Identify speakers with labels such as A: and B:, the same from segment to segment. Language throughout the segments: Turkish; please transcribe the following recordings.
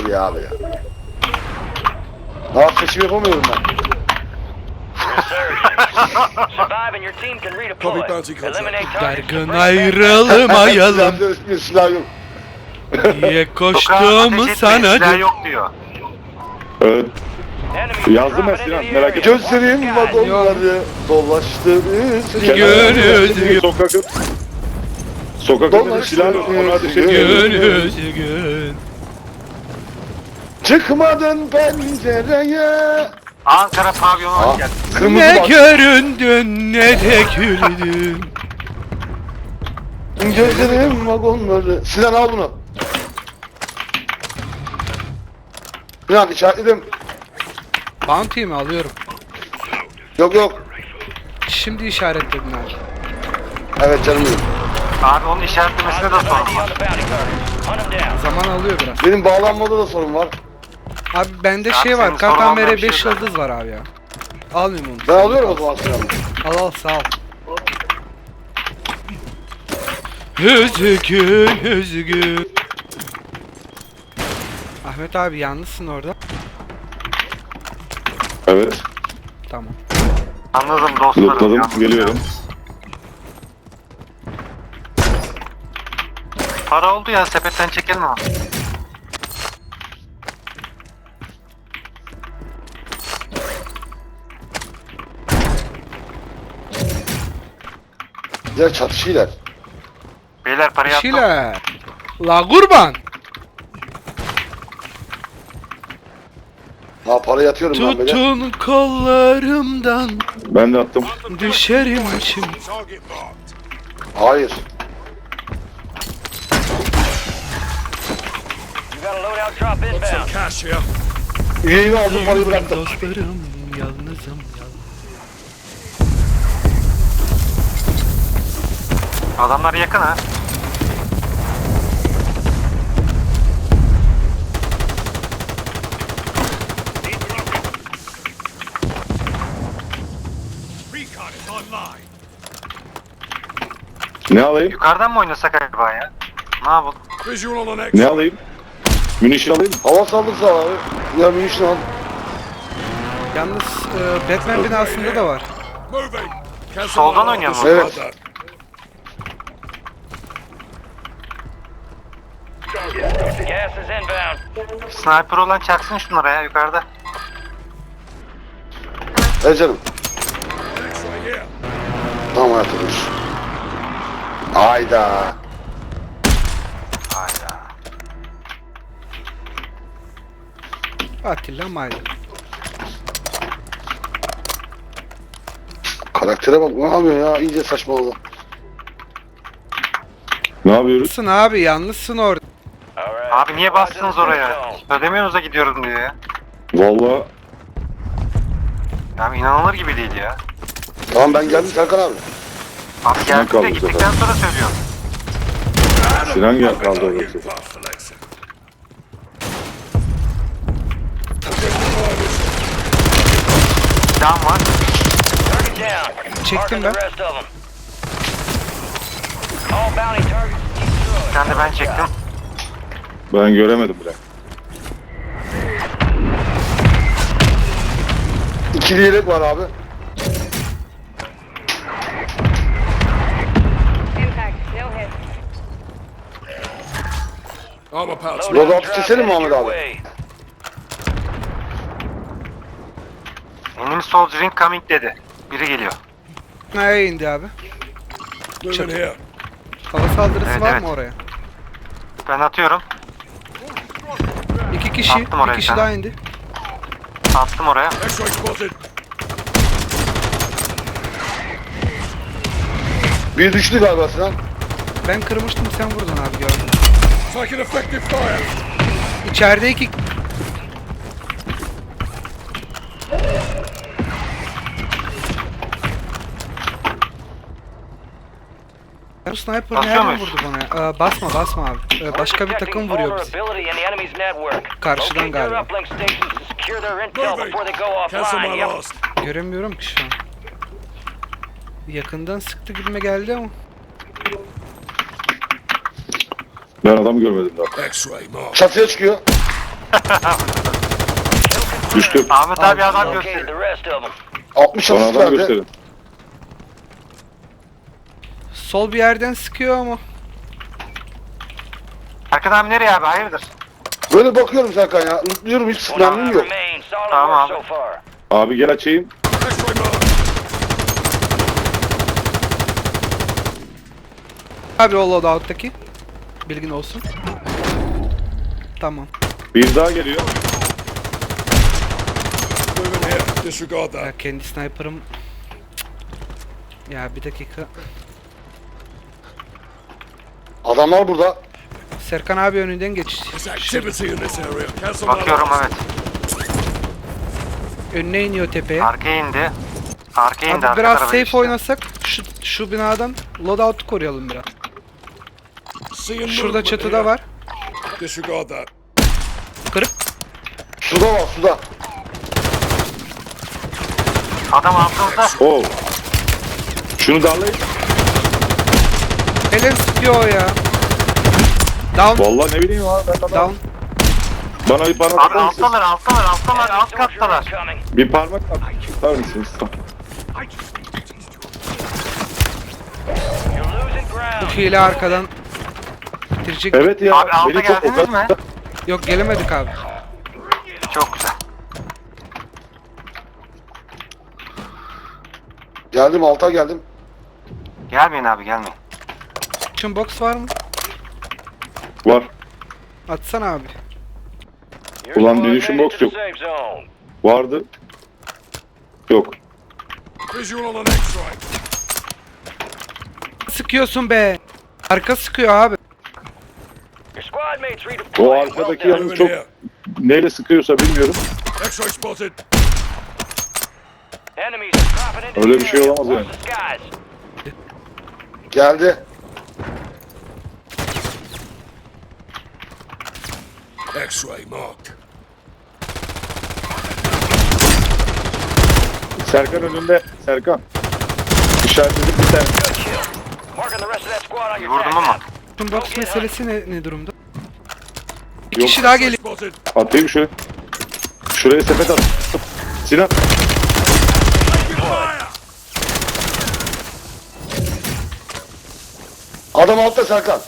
A: geldi ya abi ya. Daha seçim yapamıyorum ben.
B: Dargın ayrılmayalım
A: Silah yok.
B: diye koştuğumu
C: Silah
B: sanadım.
C: yok diyor.
D: Evet. Yazdım ben Sinan, merak etme.
A: Gözlerim vagonları dolaştı.
B: Gönül
D: Sokak önünde silah yok, ona ateş ediyor.
B: Gönül
A: Çıkmadın pencereye.
C: Ankara pavyonu hoş geldin.
A: Kırmızı
B: ne
A: bak.
B: göründün ne de güldün.
A: Gözlerim vagonları. Sinan al bunu. Sinan işaretledim.
B: Bounty mi alıyorum?
A: Yok yok.
B: Şimdi işaretledin abi.
A: Evet canım benim.
C: Abi onun işaretlemesine de sorun var.
B: Zaman alıyor biraz.
A: Benim bağlanmada da sorun var.
B: Abi bende
C: Abi
B: şey
C: senin
B: var.
C: sorun olmayan
B: KKMR
C: bir
B: 5
C: şey
B: yıldız var abi ya. Almayayım onu.
A: Ben alıyorum o zaman Sinan'ı.
B: Al sağ ol. Üzgün üzgün. Ahmet abi yalnızsın orada.
D: Evet.
B: Tamam.
C: Anladım dostlarım.
D: Lootladım,
C: yalnız
D: geliyorum.
C: Para oldu ya, sepetten çekelim ama.
A: Güzel çatışıyorlar.
C: Beyler parayı attım.
B: Şile. La kurban.
A: Ha para yatıyorum ben böyle.
B: Tutun kollarımdan
D: Ben de attım.
B: düşerim şimdi.
A: Hayır. Üyeyi aldım parayı bıraktım.
B: Dostlarım yalnızım.
C: Adamlar yakın ha.
D: Ne alayım?
C: Yukarıdan mı oynasak acaba ya? Ne yapalım?
D: Ne alayım? Munition alayım.
A: Hava saldırısı al abi. Ya munition al.
B: Yalnız Batman binasında da var.
C: Soldan oynayalım.
A: Evet.
C: Sniper olan çaksın şunlara ya yukarıda.
A: Ver canım. Tamam hayatım. Hayda.
C: Hayda.
B: Atilla Mayda.
A: Karaktere bak ne yapıyor ya iyice saçmaladı.
D: Ne yapıyoruz?
B: Yalnızsın abi yalnızsın orada.
C: Abi niye bastınız oraya? Ödemiyorsunuz da gidiyorum diyor ya.
D: Vallahi
C: Ya inanılır gibi değil ya.
A: Tamam ben geldim Serkan abi.
C: Abi geldik
D: kaldı
C: de
D: bu
C: gittikten sonra söylüyorum.
D: Sinan gel kaldı orası.
C: Silahım var.
B: Çektim ben.
C: Bir tane de ben çektim.
D: Ben göremedim bile.
A: İkili yelek var abi. Loadout keselim mi Ahmet abi?
C: Enemy soldier incoming dedi. Biri geliyor.
B: Nereye indi abi? Hava saldırısı
C: Evet,
B: var
C: evet.
B: mı oraya?
C: Ben atıyorum.
B: İki kişi,
C: Attım oraya
B: bir kişi
C: bir tane.
B: daha indi.
C: Attım oraya.
A: Bir düştü galiba Sinan.
B: Ben kırmıştım sen vurdun abi gördüm. İçeride iki... Bu sniper
C: Basıyor
B: nereden
C: muyuz?
B: vurdu bana ya? Basma abi. Başka bir takım vuruyor bizi. Karşıdan galiba. Göremiyorum ki şu an. Yakından sıktı gibime geldi ama.
D: Ben adam görmedim daha.
A: Çatıya çıkıyor.
D: Düştüm.
C: Ahmet abi adam
E: Located
C: gösteriyor.
E: the rest of them.
A: 60
D: Son
A: asist
D: adam
A: verdi.
D: gösterin.
B: Sol bir yerden sıkıyor ama.
C: Erkan abi nereye abi? Hayırdır?
A: Böyle bakıyorum Serkan ya. Unutluyorum hiç
E: One
A: sıkıntım yok.
E: remains. Solid
C: Tamam
E: work
C: abi.
E: so far.
D: Abi gel açayım.
B: Abi o loadout'taki. Bilgin olsun. Tamam.
D: Bir daha geliyor.
B: Ya kendi sniper'ım. Ya bir dakika.
A: Adamlar burada.
B: Serkan abi önünden geç.
C: Bakıyorum evet.
B: Önüne iniyor tepeye.
C: Arkaya indi. Arkaya indi.
B: Abi
C: arka
B: biraz
C: tarafa
B: safe
C: geçti.
B: oynasak şu binadan loadout'u koruyalım biraz. Şurada çatıda var. Kırık.
A: Suda var suda.
C: Adam altımızda.
D: Oo. Şunu darlayın.
B: Helen sıkıyor o ya. Down.
D: Vallahi ne bileyim abi. Ben
B: Down.
D: Bana
C: Abi
D: atar mısınız?
C: alttalar alt
E: Enemy soldier
C: kattalar.
E: incoming.
D: Bir parmak atar mısınız?
E: You're losing ground.
B: Hile arkadan bitirecek.
D: Evet ya.
C: Abi alta
D: beni çok
C: geldiniz mi?
B: Yok gelemedik abi.
C: Çok güzel.
A: Geldim alta geldim.
C: Gelmeyin abi gelmeyin.
B: Action box var mı?
D: Var.
B: Atsana abi.
E: Your
D: Ulan
E: squad
D: dönüşüm
E: made it
D: box
E: to
D: yok.
E: the safe zone.
D: Vardı. Yok.
B: Sıkıyorsun be. Arka sıkıyor abi.
E: Your squad mates
D: O
E: redeployed.
D: arkadaki
E: Well done.
D: yalnız çok neyle sıkıyorsa bilmiyorum.
E: Enemies are dropping into
D: Öyle
E: the
D: bir şey
E: area.
D: olamaz yani.
E: Watch the skies.
A: Geldi.
D: Serkan önünde. Serkan. İşaretledik bir tane.
E: Good kill. Marking the rest of that squad on your
C: Vurdum
E: attack
C: ama.
E: map.
B: Action box meselesi ne durumda? Bir
D: Yok.
B: kişi daha geliyor.
D: Atayım şöyle. Şuraya sepet at. Sinan.
A: Adam altta Serkan.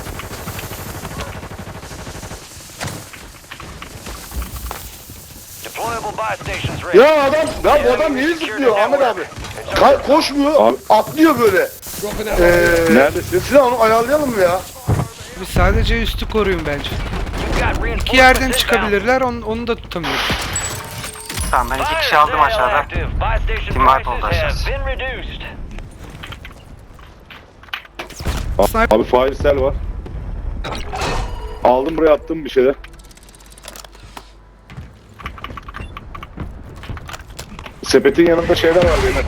E: Deployable buy stations ready.
A: Ya adam, ya bu adam niye zıplıyor Ahmet abi? Koşmuyor,
D: Abi.
A: atlıyor böyle.
D: Neredesin?
A: Sinan onu ayarlayalım mı ya?
B: Biz sadece üstü koruyun bence.
E: You've got
B: İki yerden
E: reinforcements inbound.
B: çıkabilirler, onu da tutamıyoruz.
C: Tamam ben iki
E: Fire
C: kişi aldım
E: sale
C: aşağıda.
E: active. Buy station
C: Team wipe oldu
E: prices
C: aşağısı.
E: have been reduced.
B: Sniper.
D: Abi fairsel var. Aldım buraya attım bir şeyler. Sepetin yanında şeyler var benim.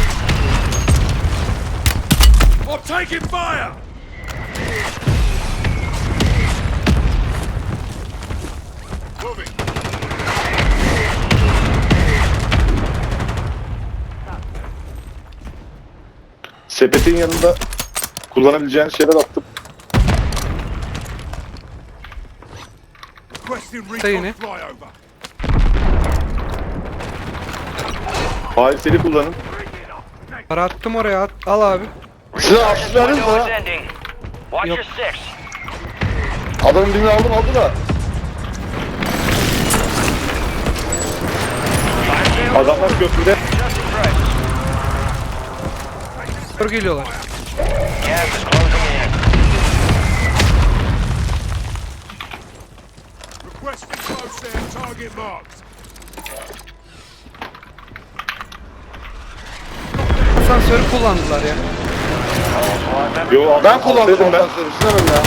D: Sepetin yanında kullanabileceğin şeyler attım.
B: Yine.
D: Fairseli kullanın.
B: Para attım oraya, al abi.
A: Sinan asist verdin mi
E: Window is
A: sana?
E: ending. Watch
B: Yok.
E: your six.
A: Adamın birini aldı da.
E: Fire sale
D: Adamlar köprüde.
E: adjusted prices.
B: Kör geliyorlar.
E: Gas is closing in.
B: Asansörü kullandılar ya.
D: Yo,
A: Ben kullandım
D: dedim ben.
A: asansörü Sinan'ım ya.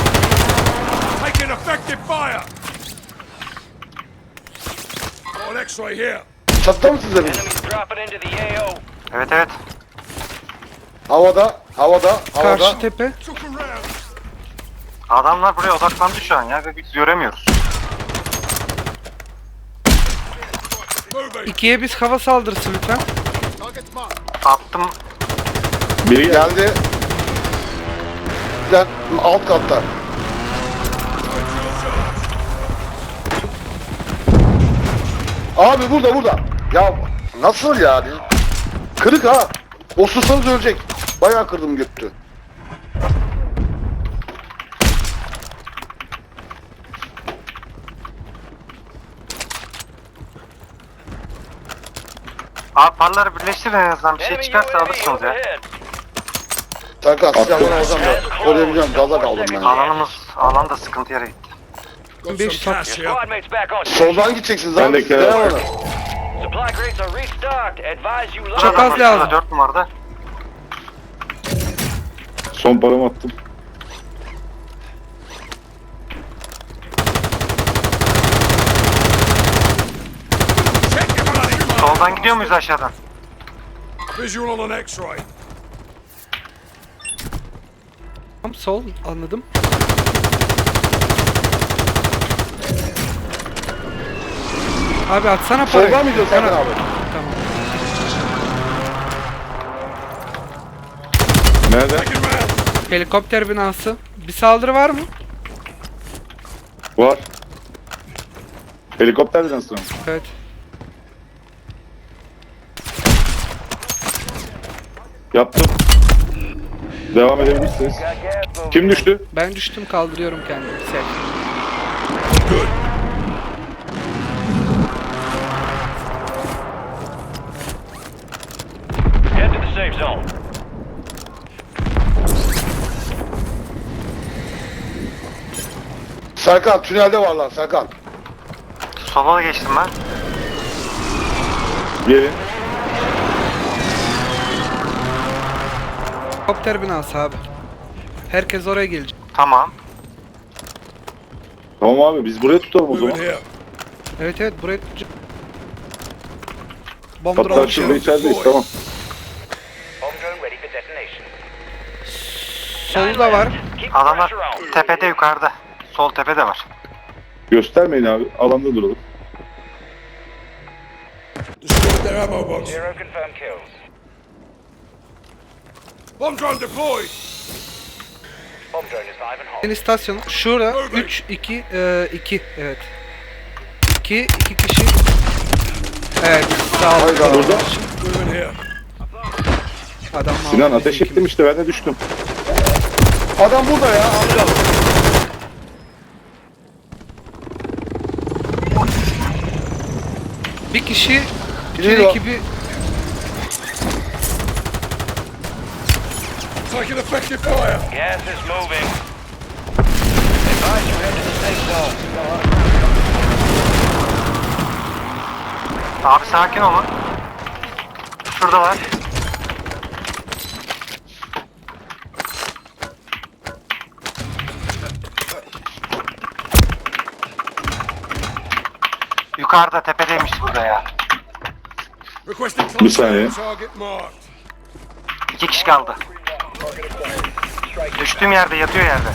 A: Çatıda mısınız hepiniz?
E: Enemies dropping into the AO.
C: Evet evet.
A: Havada, havada, havada.
B: Karşı tepe.
C: Adamlar buraya odaklandı şu an ya. Biz göremiyoruz.
B: 2'ye biz hava saldırısı lütfen.
C: Attım.
D: Biri geldi.
A: Geldi. Lan alt katta. Abi burada. Ya nasıl yani? Kırık ha. Osursanız ölecek. Bayağı kırdım götü.
C: Abi parları birleştirin en azından bir şey
E: Enemy
C: çıkarsa
E: UAV
C: alırsınız ya.
E: overhead.
A: Serkan silahını alacağım da koruyabileceğim. Gaza kaldım ben.
C: Alan da sıkıntı yere gitti.
B: 500
E: Your squad mates back on.
A: Soldan gideceksiniz
D: Ben
A: abi.
D: de
A: Siz devam edin.
E: Supply crates are restocked. Advise you load
B: Çok
E: up.
B: az lazım.
C: 4 numarada.
D: Son paramı attım.
C: Soldan gidiyor muyuz aşağıdan?
F: Visual on an X-ray.
B: Tam sol anladım. Abi atsana parayı.
A: Soldan mı gidiyorsun Serkan abi?
B: Tamam.
D: Nerede?
B: Helikopter binası. Bir saldırı var mı?
D: Var. Helikopter nasıl?
B: Evet.
D: Yaptım. Devam edebilirsiniz.
E: Got gas moving.
D: Kim düştü?
B: Ben düştüm, kaldırıyorum kendimi. Sen.
E: Head to the safe zone.
A: Serkan tünelde var lan Serkan.
C: Sola geçtim ben.
D: Gelin.
B: Helikopter binası abi. Herkes oraya gelecek.
C: Tamam.
D: Tamam abi biz buraya tutalım o
F: Moving
D: zaman.
F: here.
B: Evet buraya bomb
D: Hatta
B: drone
D: şimdi
B: şey.
D: içerideyiz tamam.
E: Home drone ready for detonation.
B: Solda var.
E: Keep the
C: Adamlar
E: pressure on.
C: tepede yukarıda. Sol tepede var.
D: Göstermeyin abi. Alanda duralım.
F: Destroyed their ammo box.
E: Zero confirmed kills.
F: Bomb drone deployed.
E: Home drone is live and hot.
B: Yeni istasyon. Şurada 3 2 2 evet. 2 kişi. Evet sağ ol.
A: Hayda.
D: Burada.
F: Moving here.
B: Adam
D: Sinan
B: aldı
D: ateş
B: bizimkini.
D: ettim işte ben de düştüm.
A: Adam burada ya amca.
B: Bir kişi
A: Geliyor.
B: bütün ekibi
F: Taking effective fire.
E: Gas is moving. Advise you head to the safe zone.
C: Abi sakin olun. Şurada var. Yukarıda tepedeymiş burada ya.
F: Requesting
D: Bir
F: close
D: saniye.
F: air target marked.
C: 2 kişi kaldı. Düştüğüm yerde yatıyor yerde.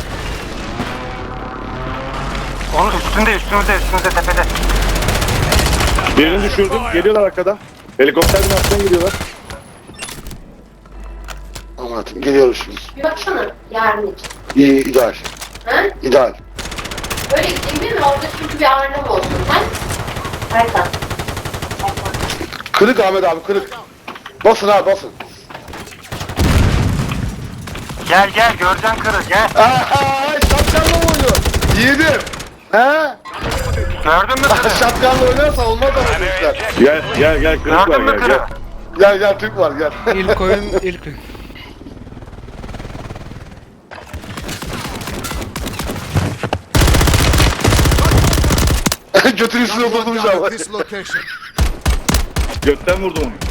C: Onun üstümüzde tepede.
D: Birini düşürdüm. Geliyorlar arkadan. Helikopter binasından geliyorlar.
A: Anlatayım geliyoruz şimdi.
G: Bir baksana yarın için.
A: İyi ideal.
G: Ha?
A: İdeal.
G: Böyle gideyim değil mi? Orada çünkü bir ağırlama olsun. Ha? Erkan.
A: Kırık Ahmet abi kırık. Basın abi basın.
C: Gel göreceksin kırı gel.
A: Şatkanla mı oynuyor? Yiğidim. He?
C: Gördün mü kırı?
A: Şatkanla oynarsan olmaz ama bu işler.
D: Gel kırık var
C: Gördün mü
D: gel
C: kırı?
D: gel.
A: Gel Türk var gel.
B: ilk oyun ilk oyun.
A: Götünün üstüne oturdum şu an.
F: This location.
D: Gökten vurdum onu.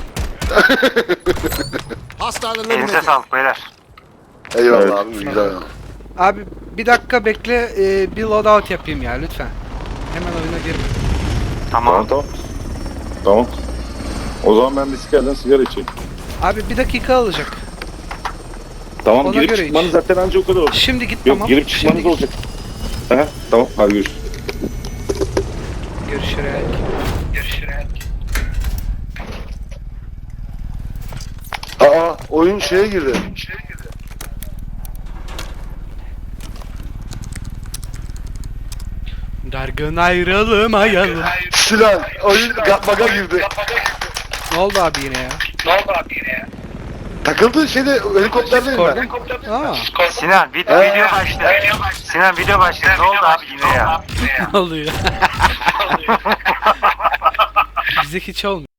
F: Hostile
C: Elinize
F: eliminated.
C: sağlık beyler.
A: Eyvallah
D: Evet.
A: abi güzel.
B: Abi bir dakika bekle, bir loadout yapayım ya lütfen. Hemen oyuna girme.
C: Tamam.
D: Tamam. O zaman ben bisikletten sigara içeyim.
B: Abi bir dakika alacak.
D: Tamam
B: Ona
D: girip
B: göre
D: çıkmanız
B: iç.
D: zaten anca o kadar olacak.
B: Şimdi git
D: Yok
B: tamam.
D: girip çıkmanız
B: Şimdi git.
D: olacak. Aha, tamam hadi görüşürüz.
B: Görüşerek.
A: Aa oyun şeye girdi.
B: Dargın ayrılmayalım.
A: Sinan oyun baga girdi.
B: Ne oldu abi yine ya?
A: Takıldığı şeyde helikopterdeyim ben.
B: Aa,
C: Sinan video başladı. Sinan video başladı. Ne oldu abi yine ya?
B: ne oluyor? Bize hiç olmuyor.